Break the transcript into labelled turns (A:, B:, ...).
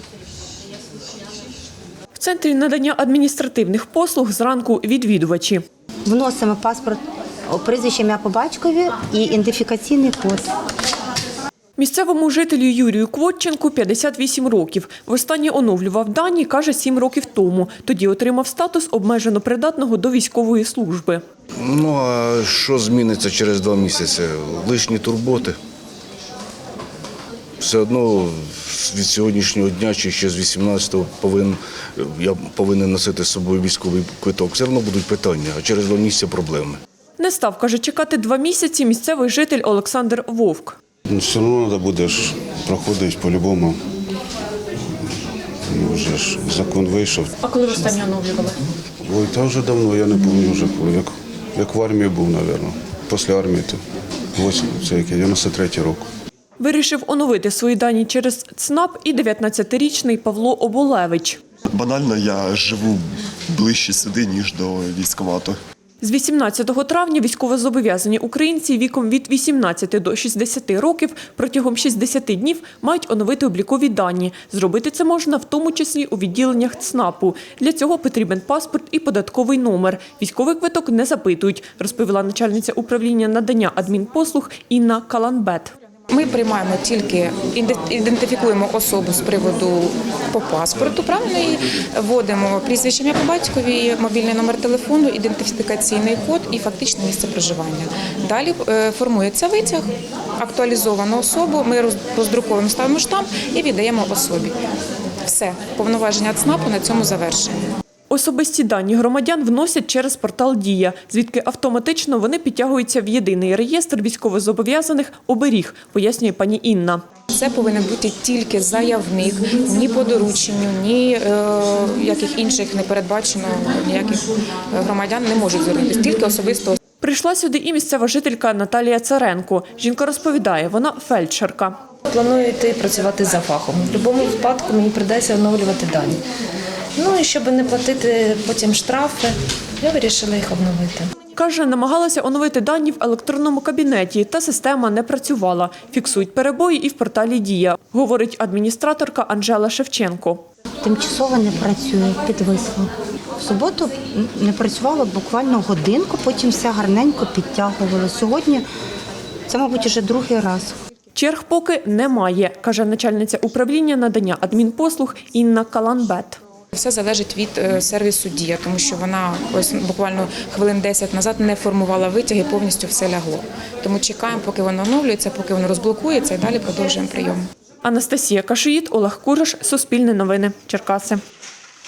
A: В центрі надання адміністративних послуг зранку відвідувачі.
B: Вносимо паспорт, прізвище, ім'я по батькові і ідентифікаційний код.
A: Місцевому жителю Юрію Квотченку 58 років. Востаннє оновлював дані, каже, 7 років тому. Тоді отримав статус обмежено придатного до військової служби.
C: Ну, а що зміниться через 2 місяці? Лишні турботи. Все одно від сьогоднішнього дня чи ще з 18-го я повинен носити з собою військовий квиток. Все одно будуть питання, а через 2 місяці проблеми.
A: Не став, каже, чекати 2 місяці місцевий житель Олександр Вовк.
D: Все одно треба буде проходити по-любому. Вже ж закон вийшов.
A: А коли ви останнє оновлювали?
D: Ой, та вже давно, я не пам'ятаю вже коли. Як в армії був, мабуть. Після армії, то 93-й рік.
A: Вирішив оновити свої дані через ЦНАП і 19-річний Павло Оболевич.
E: Банально, я живу ближче сюди, ніж до військкомату.
A: З 18 травня військовозобов'язані українці віком від 18 до 60 років протягом 60 днів мають оновити облікові дані. Зробити це можна в тому числі у відділеннях ЦНАПу. Для цього потрібен паспорт і податковий номер. Військовий квиток не запитують, розповіла начальниця управління надання адмінпослуг Інна Каланбет.
F: Ми приймаємо тільки, ідентифікуємо особу з приводу по паспорту, правильно, і вводимо прізвище, ім'я по батькові, мобільний номер телефону, ідентифікаційний код і фактичне місце проживання. Далі формується витяг, актуалізовану особу, ми роздруковуємо, ставимо штамп і віддаємо особі. Все, повноваження ЦНАПу на цьому завершені.
A: Особисті дані громадян вносять через портал «Дія», звідки автоматично вони підтягуються в єдиний реєстр військовозобов'язаних «Оберіг», пояснює пані Інна.
F: Це повинен бути тільки заявник, ні по дорученню, ні яких інших не передбачено, ніяких громадян не можуть звернутися, тільки особисто.
A: Прийшла сюди і місцева жителька Наталія Царенко. Жінка розповідає, вона фельдшерка.
G: Планую йти працювати за фахом. В будь-якому випадку мені прийдеться оновлювати дані. Ну і щоб не платити потім штрафи, я вирішила їх обновити.
A: Каже, намагалася оновити дані в електронному кабінеті, та система не працювала. Фіксують перебої і в порталі «Дія», говорить адміністраторка Анжела Шевченко.
B: Тимчасово не працює, підвисло. В суботу не працювало буквально годинку, потім все гарненько підтягувало. Сьогодні це, мабуть, вже другий раз.
A: Черг поки немає, каже начальниця управління надання адмінпослуг Інна Каланбет.
F: Все залежить від сервісу «Дія», тому що вона ось буквально хвилин 10 назад не формувала витяг і повністю все лягло. Тому чекаємо, поки воно оновлюється, поки воно розблокується і далі продовжуємо прийом.
A: Анастасія Кашиїд, Олег Кураш, Суспільне новини, Черкаси.